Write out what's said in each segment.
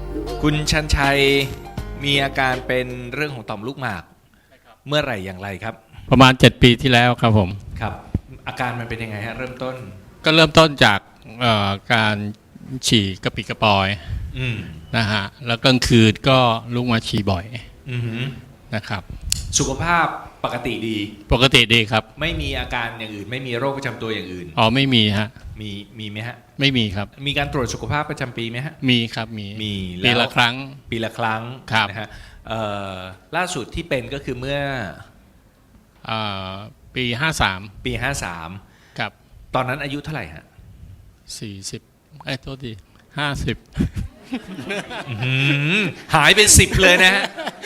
คุณชันชัยมีอาการเป็นเรื่องของต่อมลูกหมากเมื่อไหร่อย่างไรครับประมาณ7 ปีที่แล้วครับผมครับอาการมันเป็นยังไงฮะเริ่มต้นก็เริ่มต้นจากการฉี่กระปิดกระปอยนะฮะแล้วกลางคืนก็ลุกมาฉี่บ่อยนะครับสุขภาพปกติดีครับไม่มีอาการอย่างอื่นไม่มีโรคประจำตัวอย่างอื่นอ๋อไม่มีฮะมีไหมฮะไม่มีครับมีการตรวจสุขภาพประจำปีไหมฮะมีครับมีปีละครั้งครับนะฮะล่าสุดที่เป็นก็คือเมื่อปี 53 ครับตอนนั้นอายุเท่าไหร่ฮะ 40โทษที50 หายเป็น10เลยนะฮะ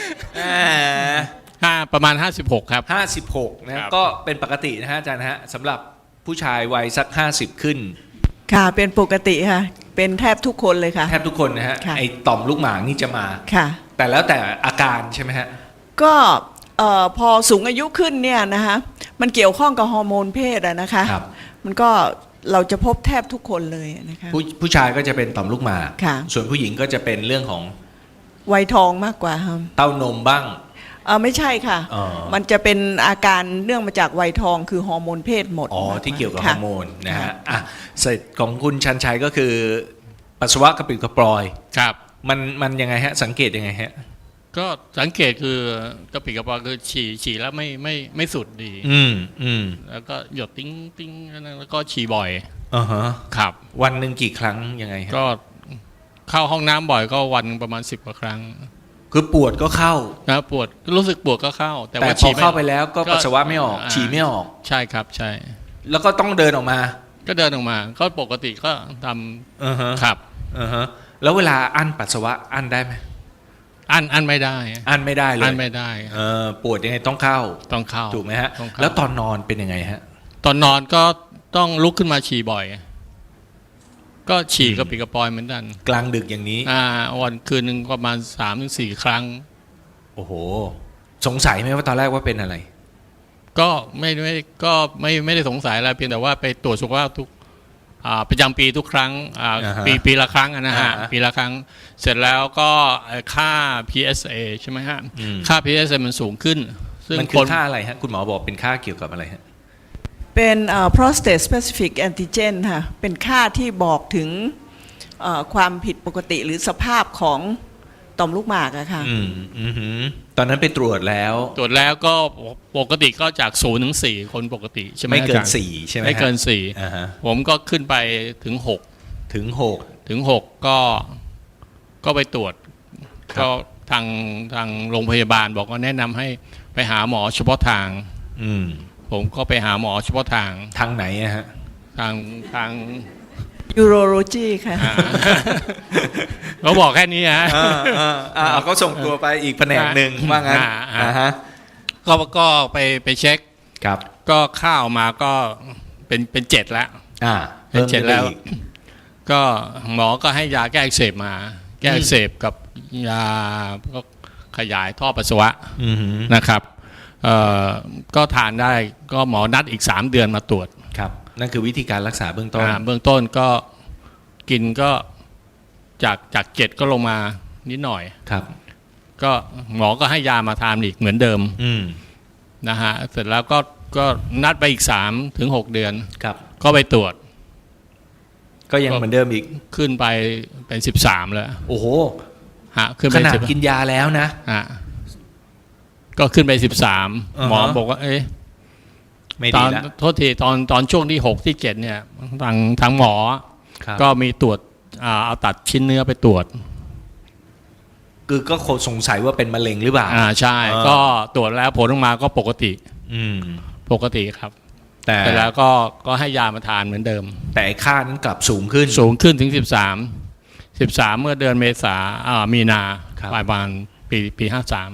ประมาณ56ครับ 56นะก็เป็นปกตินะฮะอาจารย์ฮะสำหรับผู้ชายวัยสัก50ขึ้นค่ะเป็นปกติค่ะเป็นแทบทุกคนเลยค่ะแทบทุกคนนะฮะไอ้ต่อมลูกหมากนี่จะมาค่ะแต่แล้วแต่อาการใช่ไหมฮะก็พอสูงอายุขึ้นเนี่ยนะคะมันเกี่ยวข้องกับฮอร์โมนเพศอะนะคะมันก็เราจะพบแทบทุกคนเลยนะคะผู้ชายก็จะเป็นต่อมลูกหมากส่วนผู้หญิงก็จะเป็นเรื่องของวัยทองมากกว่าครับเต้านมบ้างไม่ใช่ค่ะมันจะเป็นอาการเนื่องมาจากวัยทองคือฮอร์โมนเพศหมดที่เกี่ยวกับฮอร์โมนนะฮะเสร็จของคุณชันชัยก็คือปัสสาวะกระปิดกระปอยครับมันยังไงฮะสังเกตยังไงฮะก็สังเกตคือกระปิดกระปอยคือฉี่แล้วไม่สุดดีแล้วก็หยดติ้งแล้วก็ฉี่บ่อยครับวันหนึ่งกี่ครั้งยังไงฮะก็เข้าห้องน้ำบ่อยก็วันประมาณ10 กว่าครั้งคือปวดก็เข้านะปวดรู้สึกปวดก็เข้าแต่ว่าพอเข้าไปแล้วก็ปัสสาวะไม่ออกฉี่ไม่ออกใช่ครับใช่แล้วก็ต้องเดินออกมาก็ปกติก็ทำครับแล้วเวลาอั้นปัสสาวะอั้นได้ไหมอั้นไม่ได้เลยอั้นไม่ได้ปวดยังไงต้องเข้าถูกไหมฮะแล้วตอนนอนเป็นยังไงฮะตอนนอนก็ต้องลุกขึ้นมาฉี่บ่อยก็ฉี่กระปิดกระปอยเหมือนกันกลางดึกอย่างนี้วันคืนหนึ่งประมาณ3-4 ครั้งโอ้โหสงสัยไหมว่าตอนแรกว่าเป็นอะไรก็ไม่ได้สงสัยอะไรเพียงแต่ว่าไปตรวจสุขภาพทุกประจำปีทุกครั้งปีละครั้งนะฮะปีละครั้งเสร็จแล้วก็ค่า PSA ใช่ไหมฮะค่า PSA มันสูงขึ้นซึ่งมันคือค่าอะไรฮะคุณหมอบอกเป็นค่าเกี่ยวกับอะไรฮะเป็นprostate specific antigen ค่ะเป็นค่าที่บอกถึงความผิดปกติหรือสภาพของต่อมลูกหมากอะค่ะตอนนั้นไปตรวจแล้วก็ปกติก็จาก0 ถึง 4คนปกติใช่ไหมไม่เกิน4ใช่ไหมไม่เกิน4ผมก็ขึ้นไปถึง6ก็ไปตรวจก็ทางโรงพยาบาลบอกว่าแนะนำให้ไปหาหมอเฉพาะทางผมก็ไปหาหมอเฉพาะทางไหนฮะทาง urology ค่ะเขาบอกแค่นี้ฮะเขาส่งตัวไปอีกแผนกหนึ่งว่างั้นก็ไปเช็คครับก็ข้าวมาก็เป็น7แล้วเป็น7แล้วก็หมอก็ให้ยาแก้อักเสบมาแก้อักเสบกับยาก็ขยายท่อปัสสาวะนะครับก็ทานได้ก็หมอนัดอีก3 เดือนมาตรวจครับนั่นคือวิธีการรักษาเบื้องต้นก็กินก็จาก7ก็ลงมานิดหน่อยครับก็หมอก็ให้ยามาทานอีกเหมือนเดิมนะฮะเสร็จแล้วก็นัดไปอีก3 ถึง 6 เดือนครับก็ไปตรวจก็ยังเหมือนเดิมอีกขึ้นไปเป็น13แล้วโอ้โหขึ้นไปขนาดกินยาแล้วนะก็ขึ้นไป13หมอบอกว่าตอนโทษทีตอนช่วงที่6 ที่ 7เนี่ยทางหมอก็มีตรวจเอาตัดชิ้นเนื้อไปตรวจคือก็สงสัยว่าเป็นมะเร็งหรือเปล่าใช่ก็ตรวจแล้วผลออกมาก็ปกติครับแต่แล้วก็ให้ยามาทานเหมือนเดิมแต่ค่านั้นกลับสูงขึ้นถึง13เมื่อเดือนเมษามีนาปลายปี5353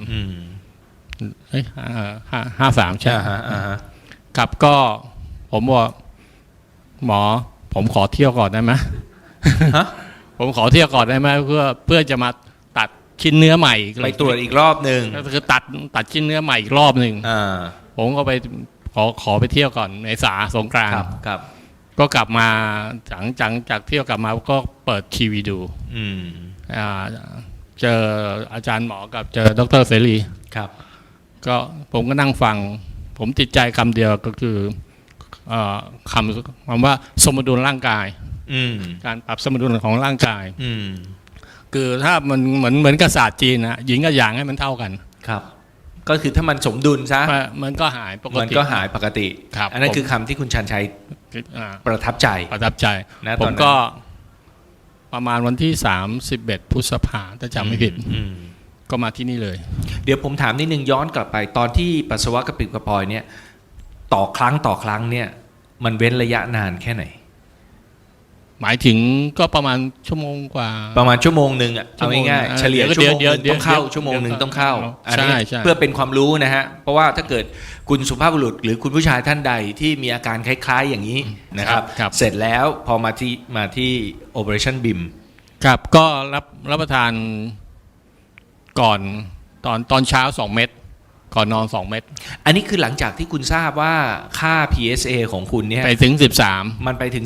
ใช่ครับก็ผมบอกหมอผมขอเที่ยวก่อนได้ไหมผมขอเที่ยวก่อนได้ไหมเพื่อจะมาตัดชิ้นเนื้อใหม่ไปตรวจอีกรอบหนึ่งก็คือตัดชิ้นเนื้อใหม่อีกรอบหนึ่งผมก็ไปขอไปเที่ยวก่อนเมษาสงกรานต์ครับก็กลับมาหลังจากเที่ยวกลับมาก็เปิดทีวีดูอ่าเจออาจารย์หมอกับเจอดรเสรีครับก็ผมก็นั่งฟังผมติดใจคำเดียวก็คือคำว่าสมดุลร่างกายอืมการปรับสมดุลของร่างกายอืมคือถ้ามันเหมือนกับศาสตร์จีนนะหญิงกับหยางให้มันเท่ากันครับ ก็คือถ้ามันสมดุลซะมันก็หายปกมันติก็หายปกติครับอันนั้นผมคือคำที่คุณชันชัยอ่าประทับใจประทับใจนะผตอนมนั้นก็ประมาณวันที่31พฤษภาถ้าจำไม่ผิดอืมก็มาที่นี่เลยเดี๋ยวผมถามนิดนึงย้อนกลับไปตอนที่ปัสสาวะกระปิดกระปอยเนี่ยต่อครั้งเนี่ยมันเว้นระยะนานแค่ไหนหมายถึงก็ประมาณชั่วโมงกว่าประมาณชั่วโมงหนึ่งอ่ะชั่เอาวโมงง่ายเออๆเฉลี่ยเดี๋ยวชั่วโมงหนึ่งเดี๋ยวต้องเข้าเดี๋ยวชั่วโมงหนึ่งต้องเข้าอันใช่นี้ใช่เพื่อเป็นความรู้นะฮะเพราะว่าถ้าเกิดคุณสุภาพบุรุษหรือคุณผู้ชายท่านใดที่มีอาการคล้ายๆอย่างนี้นะครับครับเสร็จแล้วพอมาที่ Operation BIM ครับก็รับประทานก่อนตอนเช้า2 เม็ดก่อนนอน2 เม็ดอันนี้คือหลังจากที่คุณทราบว่าค่า PSA ของคุณเนี่ยไปถึง13 มันไปถึง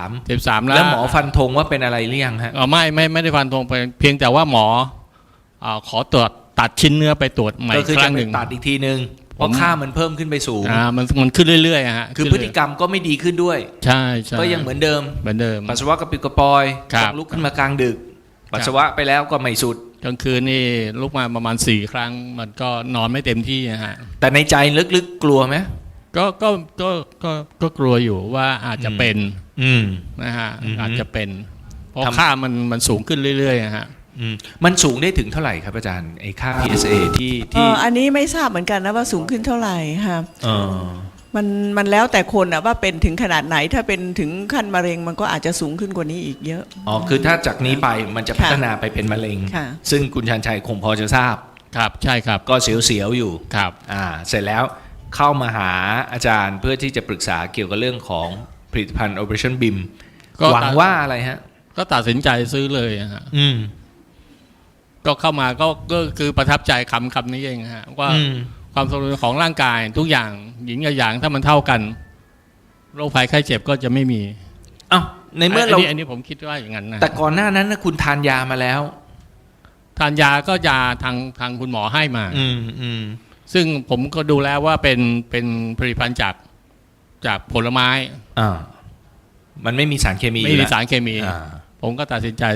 13 แล้แล้ว วหมอฟันธงว่าเป็นอะไรหรือยังฮะไม่ได้ฟันธงไปเพียงแต่ว่าหมอขอตรวจตัดชิ้นเนื้อไปตรวจใหม่ก็อีคือกคจะรั้งไปหนึ่งตัดอีกทีนึงเพราะค่ามันเพิ่มขึ้นไปสูงมันขึ้นเรื่อยๆฮะคือพฤติกรรมก็ไม่ดีขึ้นด้วยใช่ใช่ก็ยังเหมือนเดิมเหมือนเดิมปัสสาวะกระปิดกระปอยครับต้องลุกขึ้นมากลางดึก ปัสสาวะไปแล้วก็ไม่สุดกลางคืนนี่ลุกมาประมาณ4 ครั้งมันก็นอนไม่เต็มที่ฮะแต่ในใจลึกๆกลัวไหมก็กลัวอยู่ว่าอาจจะเป็นอืมนะฮะอืมอาจจะเป็น เพราะทำค่ามันสูงขึ้นเรื่อยๆฮะมันสูงได้ถึงเท่าไหร่ครับอาจารย์ไอ้ค่า PSA ที่อันนี้ไม่ทราบเหมือนกันนะว่าสูงขึ้นเท่าไหร่ค่ะเออมันแล้วแต่คนอะว่าเป็นถึงขนาดไหนถ้าเป็นถึงขั้นมะเร็งมันก็อาจจะสูงขึ้นกว่านี้อีกเยอะอ๋อคือถ้าจากนี้ไปมันจะค่ะพัฒนาไปเป็นมะเร็งค่ะซึ่งคุณชันชัยคงพอจะทราบครับใช่ครับก็เสียวๆอยู่ครับเสร็จแล้วเข้ามาหาอาจารย์เพื่อที่จะปรึกษาเกี่ยวกับเรื่องของผลิตภัณฑ์ Operation BIM ก็หวังว่าอะไรฮะก็ตัดสินใจซื้อเลยฮะอืมก็เข้ามาก็คือประทับใจคำนี้เองฮะว่าอืมความสมดุลของร่างกายทุกอย่างหญิงกับหยางถ้ามันเท่ากันโรคภัยไข้เจ็บก็จะไม่มีอ้าวในเมื่อเราอันนี้ผมคิดว่าอย่างนั้นนะแต่ก่อนหน้านั้นนะคุณทานยามาแล้วทานยาก็ยาทางคุณหมอให้มาอืมซึ่งผมก็ดูแล้วว่าเป็นผลิตภัณฑ์จากผลไม้มันไม่มีสารเคมีไม่มีอยู่แล้วสารเคมีอ่าผมก็ตัดสินใจ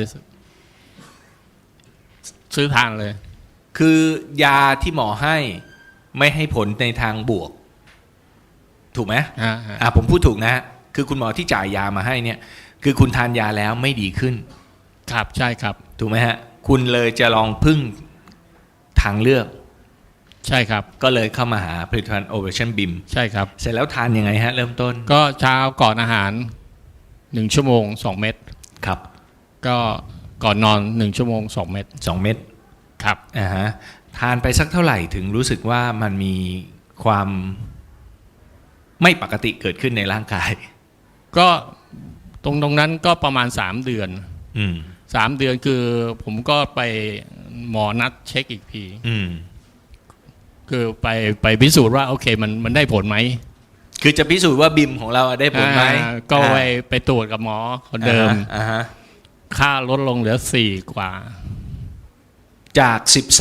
ซื้อทานเลยคือยาที่หมอให้ไม่ให้ผลในทางบวก ถูกไหมฮะผมพูดถูกนะฮะคือคุณหมอที่จ่ายยามาให้เนี่ย คือคุณทานยาแล้วไม่ดีขึ้นครับใช่ครับถูกไหมฮะ คุณเลยจะลองพึ่งทางเลือกใช่ครับก็เลยเข้ามาหาผลิตภัณฑ์ Operation BIM ใช่ครับเสร็จแล้วทานยังไงฮะ เริ่มต้นก็เช้าก่อนอาหาร1 ชั่วโมง 2 เม็ดครับก็ก่อนนอน1 ชั่วโมง 2 เม็ด 2 เม็ดครับทานไปสักเท่าไหร่ถึงรู้สึกว่ามันมีความไม่ปกติเกิดขึ้นในร่างกายก็ตรงนั้นก็ประมาณ3 เดือนอืม 3 เดือนคือผมก็ไปหมอนัดเช็คอีกทีอืมคือไปพิสูจน์ว่าโอเคมันได้ผลไหมคือจะพิสูจน์ว่าบิมของเราได้ผลไหมก็ไปตรวจกับหมอคนเดิมอ่าฮะค่าลดลงเหลือ4 กว่าจาก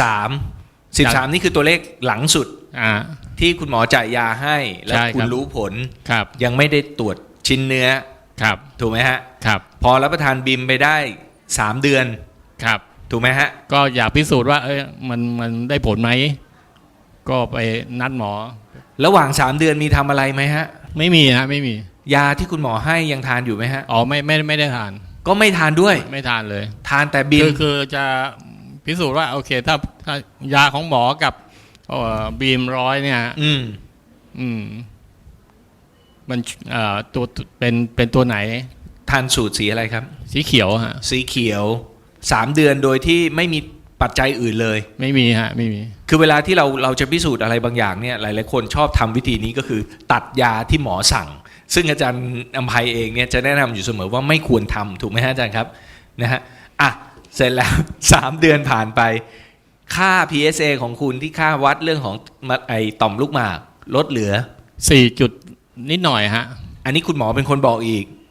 13นี่คือตัวเลขหลังสุดอ่าที่คุณหมอจ่ายยาให้ แล้วใช่คุคณรับรู้ผลครับยังไม่ได้ตรวจชิ้นเนื้อครับถูกไหมฮะครับพอรับประทานบิมไปได้3 เดือนครับถูกไหมฮะก็อยากพิสูจน์ว่ามันได้ผลไหมก็ไปนัดหมอระหว่าง3 เดือนมีทำอะไรไหมฮะไม่มีฮะไม่มียาที่คุณหมอให้ยังทานอยู่ไหมฮะอ๋อไม่ได้ทานก็ไม่ทานด้วยไม่ทานเลยทานแต่บิมคือจะพิสูจน์ว่าโอเคถ้ายาของหมอกับบีม100เนี่ย อืมมันตัวเป็นตัวไหนทานสูตรสีอะไรครับสีเขียวฮะสีเขียว3 เดือนโดยที่ไม่มีปัจจัยอื่นเลยไม่มีฮะไม่มีคือเวลาที่เราจะพิสูจน์อะไรบางอย่างเนี่ยหลายๆคนชอบทำวิธีนี้ก็คือ ตัดยาที่หมอสั่ง ซึ่งอาจารย์อภัยเองเนี่ยจะแนะนำอยู่เสมอว่าไม่ควรทำถูกไหมฮะอาจารย์ครับนะฮะเสร็จแล้ว 3 เดือนผ่านไป ค่า PSA ของคุณที่ค่าวัดเรื่องของไอต่อมลูกหมากลดเหลือ 4 จุดนิดหน่อยฮะอันนี้คุณหมอเป็นคนบอกอีก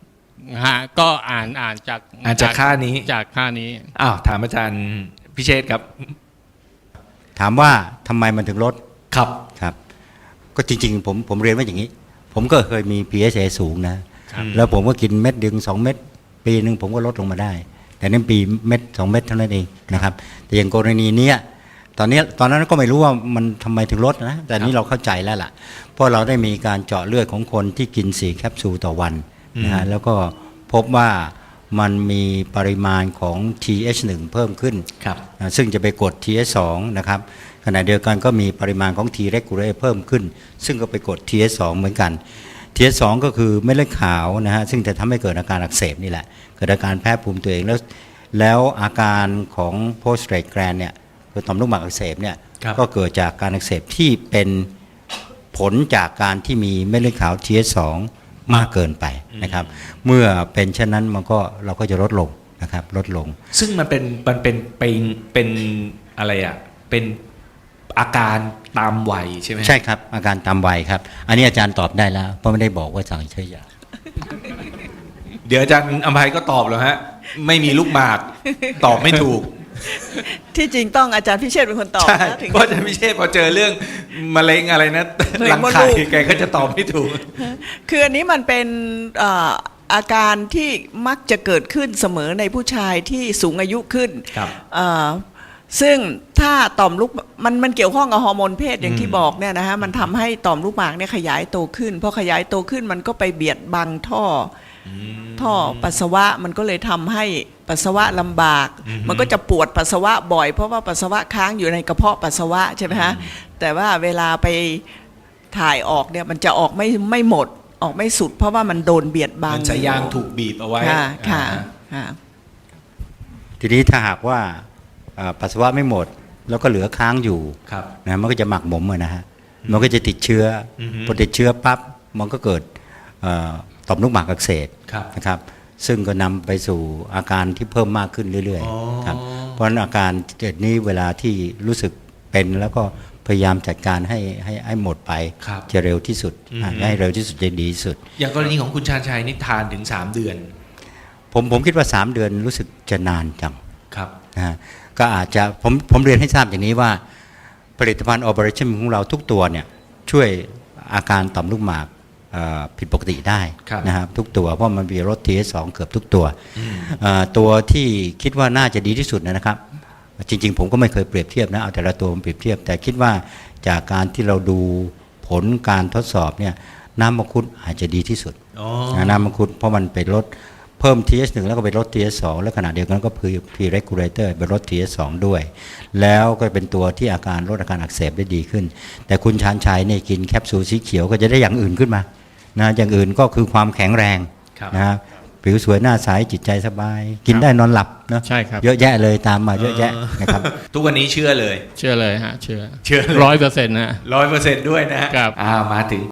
ฮะก็อ่านจากจากค่านี้จากค่านี้อ้าวถามอาจารย์พิเชษครับถามว่าทำไมมันถึงลดครับครับก็จริงๆผมเรียนว่าอย่างนี้ ผมก็เคยมี PSA สูงนะครับ แล้วผมก็กินเม็ดดึง2 เม็ดปีหนึ่งผมก็ลดลงมาได้ แต่นั่นปีเม็ด2 เม็ดเท่านั้นเองนะครับแต่อย่างกรณีเนี้ยตอนนั้นก็ไม่รู้ว่ามันทำไมถึงลดนะแต่นี้เราเข้าใจแล้วล่ะเพราะเราได้มีการเจาะเลือดของคนที่กิน4 แคปซูลต่อวันนะฮะแล้วก็พบว่ามันมีปริมาณของ TH1 เพิ่มขึ้นครับซึ่งจะไปกด TH2 นะครับขณะเดียวกันก็มีปริมาณของ T regulator เพิ่มขึ้น ซึ่งก็ไปกด TH2 เหมือนกัน TH2 ก็คือเม็ดเลือดขาวนะฮะซึ่งจะทำให้เกิดอาการอักเสบนี่แหละเกิดอาการแพ้ภูมิตัวเองแล้วอาการของ post-rate gland เนี่ยคือต่อมลูกหมากอักเสบเนี่ยครับก็เกิดจากการอักเสบที่เป็นผลจากการที่มีเม็ดเลือดขาว TH2 มากเกินไปนะครับเมื่อเป็นเช่นนั้นเราก็จะลดลงนะครับลดลงซึ่งมันเป็นอะไรอ่ะเป็นอาการตามวัยใช่ไหมใช่ครับอาการตามวัยครับอันนี้อาจารย์ตอบได้แล้วเพราะไม่ได้บอกว่าสั่งใช้ยาเดี๋ยวอาจารย์อภัยก็ตอบแล้วฮะไม่มีลูกหมากตอบไม่ถูกที่จริงต้องอาจารย์พิเชษฐ์เป็นคนตอบใช่นะถึงเพราะอาจารย์พิเชษพอเจอเรื่องมะเร็งอะไรนะมะเร็รังงมดไข่ลูกแกก็จะตอบไม่ถูกคืออันนี้มันเป็นอาการที่มักจะเกิดขึ้นเสมอในผู้ชายที่สูงอายุขึ้นครับเอ่อซึ่งถ้าต่อมลูกมันเกี่ยวข้องกับฮอร์โมนเพศอย่างที่บอกเนี่ยนะฮะมันทำให้ต่อมลูกหมากเนี่ยขยายโตขึ้นพอขยายโตขึ้นมันก็ไปเบียดบังท่อปัสสาวะมันก็เลยทำให้ปัสสาวะลำบาก มันก็จะปวดปัสสาวะบ่อยเพราะว่าปัสสาวะค้างอยู่ในกระเพาะปัสสาวะใช่ไหมฮะแต่ว่าเวลาไปถ่ายออกเนี่ยมันจะออกไม่หมดออกไม่สุด เพราะว่ามันโดนเบียดบังมันสายยางถูกบีบเอาไว้ค่ะค่ะอ่าค่ะทีนี้ถ้าหากว่าปัสสาวะไม่หมดแล้วก็เหลือค้างอยู่ครับนะมันก็จะหมักหมมนะฮะมันก็จะติดเชื้อออฮึพอติดเชื้อปั๊บมันก็เกิดต่อมลูกหมากอักเสบครับนะครับซึ่งก็นำไปสู่อาการที่เพิ่มมากขึ้นเรื่อยอ๋อๆครับเพราะฉะนั้นอาการเกิดนี้เวลาที่รู้สึกเป็นแล้วก็พยายามจัดการให้หมดไปครับจะเร็วที่สุดอือฮึให้เร็วที่สุดจะดีที่สุดอย่างกรณีของคุณชาญชัยนี่ทานถึง3 เดือนผมคิดว่า 3 เดือนรู้สึกจะนานจังครับนะฮะก็อาจจะผมเรียนให้ทราบอย่างนี้ว่าผลิตภัณฑ์ Operation ของเราทุกตัวเนี่ยช่วยอาการต่อมลูกหมากผิดปกติได้ครับนะครับทุกตัวเพราะมันมีรส TH2 เกือบทุกตัวตัวที่คิดว่าน่าจะดีที่สุดนะครับจริงๆผมก็ไม่เคยเปรียบเทียบนะเอาแต่ละตัวมาเปรียบเทียบ แต่คิดว่าจากการที่เราดูผลการทดสอบเนี่ยน้ำมังคุดอาจจะดีที่สุดอ๋อน้ำมังคุดเพราะมันไปลดเพิ่ม TH1 แล้วก็ไปลด TH2 แล้วขณะเดียวกันก็คือ P regulator ไปลด TH2 ด้วย แล้วก็เป็นตัวที่ลดอาการอักเสบได้ดีขึ้น แต่คุณชาญชัยเนี่ยกินแคปซูลสีเขียวก็จะได้อย่างอื่นขึ้นมานะอย่างอื่นก็คือความแข็งแรงครับนะฮะผิวสวยหน้าใสจิตใจสบาย กินได้นอนหลับเนอะใช่ครับเยอะแยะเลยตามมาเยอะแยะนะครับทุกวันนี้เชื่อเลยเชื่อเลยฮะเชื่อเชื่อเลย 100%นะ 100%ด้วยนะฮะครับมาถึง